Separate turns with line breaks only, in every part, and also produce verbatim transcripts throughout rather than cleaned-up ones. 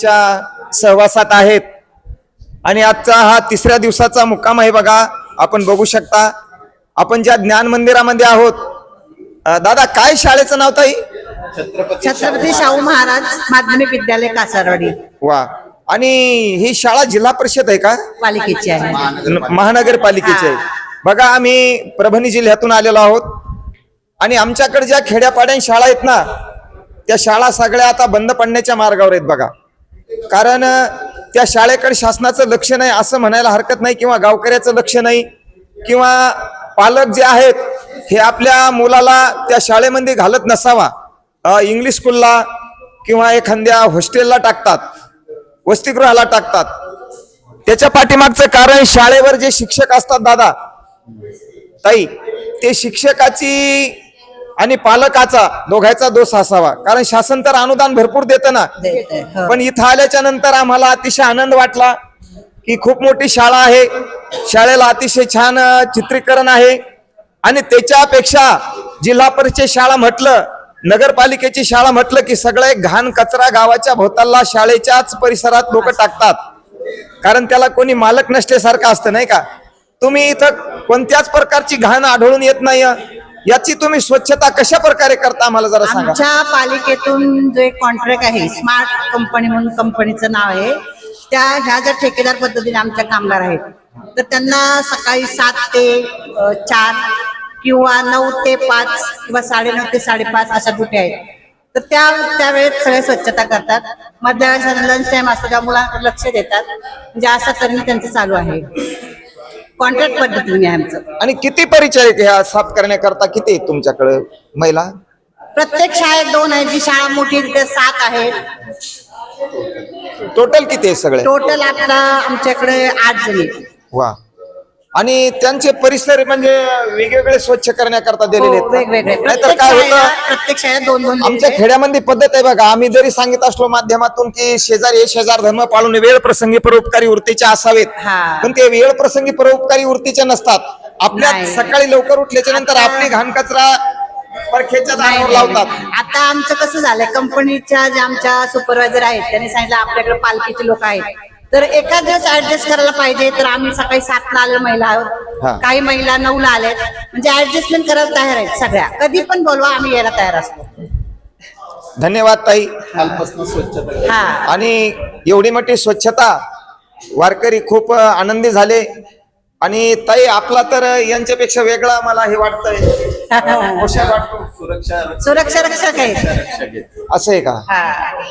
च्या सहवासात आहेत आणि आजचा हा तिसऱ्या दिवसाचा मुक्काम आहे बघा. आपण बघू शकता आपण ज्या ज्ञान मंदिरामध्ये आहोत. अ, दादा काय शाळेचं नाव ताई?
छत्रपती शाहू महाराज माध्यमिक विद्यालय कासारवाडी.
वा. आणि ही शाळा जिल्हा परिषद आहे का?
पालिकेची आहे.
न- महानगरपालिकेची आहे. बघा आम्ही परभणी जिल्ह्यातून आलेलो आहोत आणि आमच्याकडे ज्या खेड्यापाड्या शाळा आहेत ना त्या शाळा सगळ्या आता बंद पडण्याच्या मार्गावर आहेत बघा. कारण अ, त्या शाळेकडे शासनाचं लक्ष नाही असं म्हणायला हरकत नाही, किंवा गावकऱ्याचं लक्ष नाही, किंवा पालक जे आहेत हे आपल्या मुलाला त्या शाळेमध्ये घालत नसावा, अ, इंग्लिश स्कूलला किंवा एखाद्या हॉस्टेलला टाकतात, वसतिगृहाला टाकतात. त्याच्या पाठीमागचं कारण शाळेवर जे शिक्षक असतात दादा ताई, ते शिक्षकाची आणि पालकाचा दोघांचा दोष असावा. कारण शासन तर अनुदान भरपूर देतं ना.
हो.
पण इथं आल्याच्या नंतर आम्हाला अतिशय आनंद वाटला की खूप मोठी शाळा आहे, शाळेला अतिशय छान अ, चित्रीकरण आहे. आणि त्याच्यापेक्षा जिल्हा परिषद शाळा म्हटलं, नगरपालिकेची शाळा म्हटलं की सगळे घाण कचरा गावाच्या भोवताला शाळेच्याच परिसरात लोक टाकतात. कारण त्याला कोणी मालक नसल्यासारखं असतं नाही का. तुम्ही इथं कोणत्याच प्रकारची घाण आढळून येत नाही. याची तुम्ही स्वच्छता कशा प्रकारे करता आम्हाला जरा सांगा.
आमच्या पालिकेतून जे कॉन्ट्रॅक्ट आहे स्मार्ट कंपनी म्हणून कंपनीचं नाव आहे, त्या ह्या ज्या ठेकेदार पद्धतीने आमच्या कामगार आहेत तर त्यांना सकाळी सात ते अ, चार किंवा नऊ ते पाच किंवा साडेनऊ ते साडेपाच अशा ड्युटी आहेत. तर त्या त्यावेळेत सगळे स्वच्छता करतात. मधल्या वेळेस लंच टाइम असतो त्या मुलांकडे लक्ष देतात. म्हणजे असं करणं त्यांचं चालू आहे. कॉन्ट्रॅक्ट पद्धतीने आहे आमचं.
आणि किती परिचारिक ह्या साफ करण्याकरता किती आहेत तुमच्याकडे महिला?
प्रत्येक शाळेत दोन आहेत. जी शाळा मोठी आहे तिथे सात आहेत.
टोटल किती आहे सगळे?
टोटल आपला आमच्याकडे आठ जणी.
वा. आणि त्यांचे परिसर म्हणजे वेगवेगळे स्वच्छ करण्याकरता दिलेले
हो,
आहेत का?
वेगवेगळे.
नाहीतर
प्रत्येक
काय
शाळेला
होतं,
प्रत्येक शाळेत दोन दोन
आमच्या
दिलेले.
खेड्यामध्ये पद्धत आहे बघा. आम्ही जरी सांगित असलो माध्यमातून की शेजारी हे शेजार धर्म पाळून वेळ प्रसंगी परोपकारी वृत्तीचे असावेत,
हा.
पण ते वेळ प्रसंगी परोपकारी वृत्तीचे नसतात. आपल्या
नाही.
सकाळी लवकर उठल्याच्या नंतर
आता-
आपली घाण कचरा परखेच्या
नाही,
दारावर
नाही,
लावतात.
नाही. आता आमचं कसं झालंय, कंपनीच्या ज्या आमच्या सुपरवायझर आहेत त्यांनी सांगितलं आपल्याकडे पालखीचे लोक आहेत तर एका दिवस ऍडजस्ट करायला पाहिजे. तर आम्ही सकाळी सातला आलेल्या महिला
हा.
आहोत, काही महिला नऊला आल्यात. म्हणजे ऍडजस्टमेंट करायला तयार आहेत सगळ्या. कधी पण बोलवा, आम्ही यायला तयार असतो.
धन्यवाद ताई.
हा.
आणि एवढी मोठी स्वच्छता वारकरी खूप आनंदी झाले. आणि ताई आपला तर यांच्यापेक्षा वेगळा मला हे वाटतंय, पोशाख वाटतो.
सुरक्षा रक्षक आहे.
असं आहे का?
हा.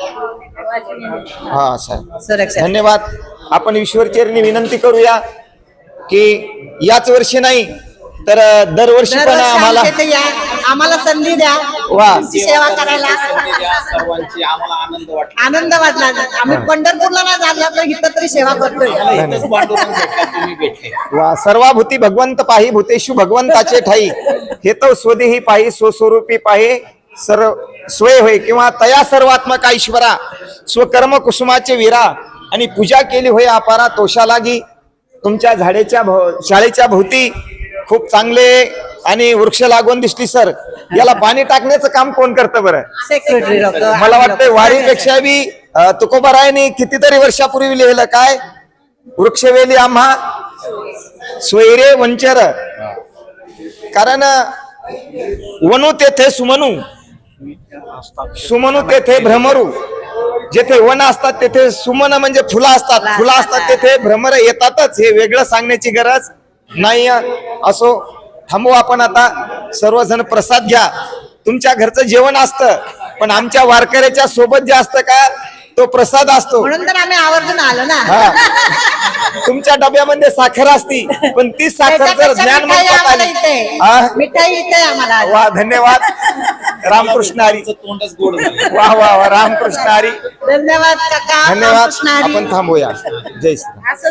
हा असं आहे.
सुरक्षा.
धन्यवाद. आपण ईश्वरचरणी विनंती करूया की याच वर्षी नाही तर दरवर्षी पण
दरवर्षी
आम्हाला
आमच्या इथे या, आम्हाला संधी द्या
वा.
तुमची सेवा करायला.
सर्वांची आम्हाला आनंद वाटला.
आनंद वाटला. आम्ही पंढरपूरला नाही झाला तर इथं तरी सेवा करतोय.
इथंच पांडुरंग भेटला, तुम्ही भेटले.
वा. सर्वाभूती भगवंत पाही भूतेषु भगवंताचे ठाई, हे तो स्वदेही पाही स्वस्वरूपी पाही सर्व स्वय होय, किंवा तया सर्वात्मका ईश्वरा स्वकर्म कुसुमाचे वीरा, आणि पूजा केली होय अपारा तोषा लागी. तुमच्या झाडेच्या भो- शाळेच्या भोवती खूप चांगले आणि वृक्ष लागवून दिसली सर. याला पाणी टाकण्याचं काम कोण करतं बरं?
सेक्रेटरी लोक.
मला वाटतंय वारीपेक्षा बी अ, तुकोबारायांनी कितीतरी वर्षापूर्वी लिहिलं काय, वृक्षवेली आम्हा स्वैरे वंचर. कारण वनु तेथे सुमनू, सुमनू तेथे भ्रमरू. जेथे वन असतात तेथे सुमन म्हणजे फुलं असतात, फुलं असतात तेथे भ्रमर येतातच. हे वेगळं सांगण्याची गरज नाही. असो, थांबू आपण आता. सर्वजण प्रसाद घ्या. तुमच्या घरचं जेवण असतं पण आमच्या वारकऱ्याच्या सोबत जे असतं का तो प्रसाद असतो.
म्हणून तर आम्ही आवर्जून आलो ना.
हा. तुमच्या डब्यामध्ये साखर असती पण ती साखर जर
त्याच्यापेक्षा
ज्ञान
मिठाई
मंत्रात
आम्हाला
आली.
इथे.
हा?
मिठाई इथे आम्हाला.
वा. धन्यवाद. रामकृष्ण हरी.
तोंडच गोड झालं.
वा वा वा. रामकृष्ण हरी.
धन्यवाद काका.
धन्यवाद.
रामकृष्ण हरी.
आपण थांबूया. जय श्री राम.
असं